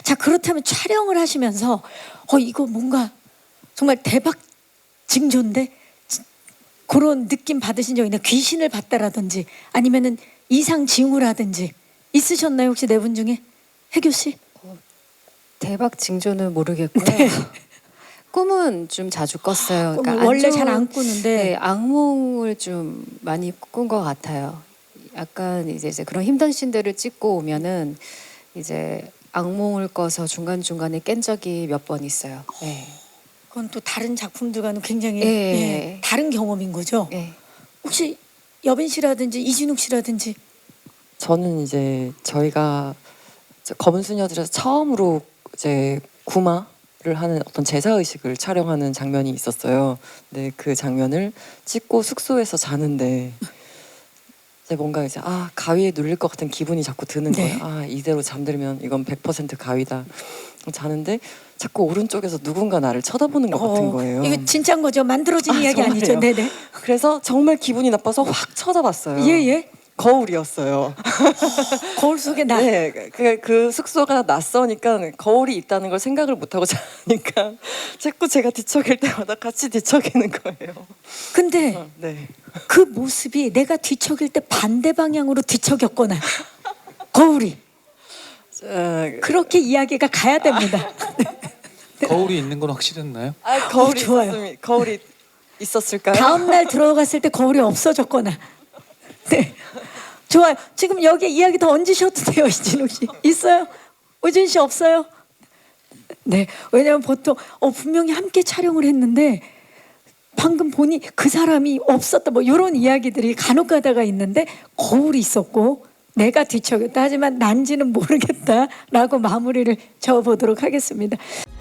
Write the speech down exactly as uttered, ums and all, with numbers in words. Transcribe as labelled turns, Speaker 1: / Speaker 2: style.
Speaker 1: 자, 그렇다면 촬영을 하시면서 어 이거 뭔가 정말 대박 징조인데 그런 느낌 받으신 적 있나요? 귀신을 봤다라든지 아니면은 이상 징후를 하든지 있으셨나요? 혹시 네 분 중에? 혜교 씨?
Speaker 2: 대박 징조는 모르겠고요.
Speaker 1: 네.
Speaker 2: 꿈은 좀 자주 꿨어요.
Speaker 1: 꿈을
Speaker 2: 그러니까 안
Speaker 1: 원래 잘
Speaker 2: 좋은-
Speaker 1: 안 꾸는데
Speaker 2: 네, 악몽을 좀 많이 꾼 것 같아요. 약간 이제 이제 그런 힘든 씬들을 찍고 오면은 이제 악몽을 꿔서 중간 중간에 깬 적이 몇 번 있어요. 네.
Speaker 1: 그건 또 다른 작품들과는 굉장히
Speaker 2: 예.
Speaker 1: 예, 다른 경험인 거죠.
Speaker 2: 네.
Speaker 1: 혹시 여빈 씨라든지 이진욱 씨라든지
Speaker 3: 저는 이제 저희가 이제 검은 수녀들에서 처음으로 이제 구마를 하는 어떤 제사 의식을 촬영하는 장면이 있었어요. 근데 그 장면을 찍고 숙소에서 자는데 이제 뭔가 이제 아 가위에 눌릴 것 같은 기분이 자꾸 드는
Speaker 1: 네.
Speaker 3: 거예요. 아 이대로 잠들면 이건 백 퍼센트 가위다. 자는데 자꾸 오른쪽에서 누군가 나를 쳐다보는 것 같은
Speaker 1: 어,
Speaker 3: 거예요.
Speaker 1: 이거 진짜인 거죠? 만들어진
Speaker 3: 아,
Speaker 1: 이야기 아니죠?
Speaker 3: 정말요?
Speaker 1: 네네.
Speaker 3: 그래서 정말 기분이 나빠서 확 쳐다봤어요.
Speaker 1: 예예.
Speaker 3: 거울이었어요.
Speaker 1: 거울 속에 나.
Speaker 3: 네, 그, 그 숙소가 낯서니까 거울이 있다는 걸 생각을 못 하고 자니까 자꾸 제가 뒤척일 때마다 같이 뒤척이는 거예요.
Speaker 1: 근데
Speaker 3: 어, 네.
Speaker 1: 그 모습이 내가 뒤척일 때 반대 방향으로 뒤척였거나 거울이
Speaker 3: 자,
Speaker 1: 그렇게 이야기가 가야 됩니다.
Speaker 4: 거울이 있는 건 확실했나요?
Speaker 3: 아 거울이
Speaker 1: 어, 좋아요.
Speaker 3: 있었습니다. 거울이 있었을까요?
Speaker 1: 다음 날 들어갔을 때 거울이 없어졌거나. 네. 좋아요. 지금 여기 이야기 더 얹으셔도 돼요, 이진욱 씨. 있어요? 우진 씨 없어요? 네. 왜냐면 보통 어, 분명히 함께 촬영을 했는데 방금 보니 그 사람이 없었다 뭐 이런 이야기들이 간혹 가다가 있는데 거울이 있었고 내가 뒤척였다 하지만 난지는 모르겠다라고 마무리를 지어보도록 하겠습니다.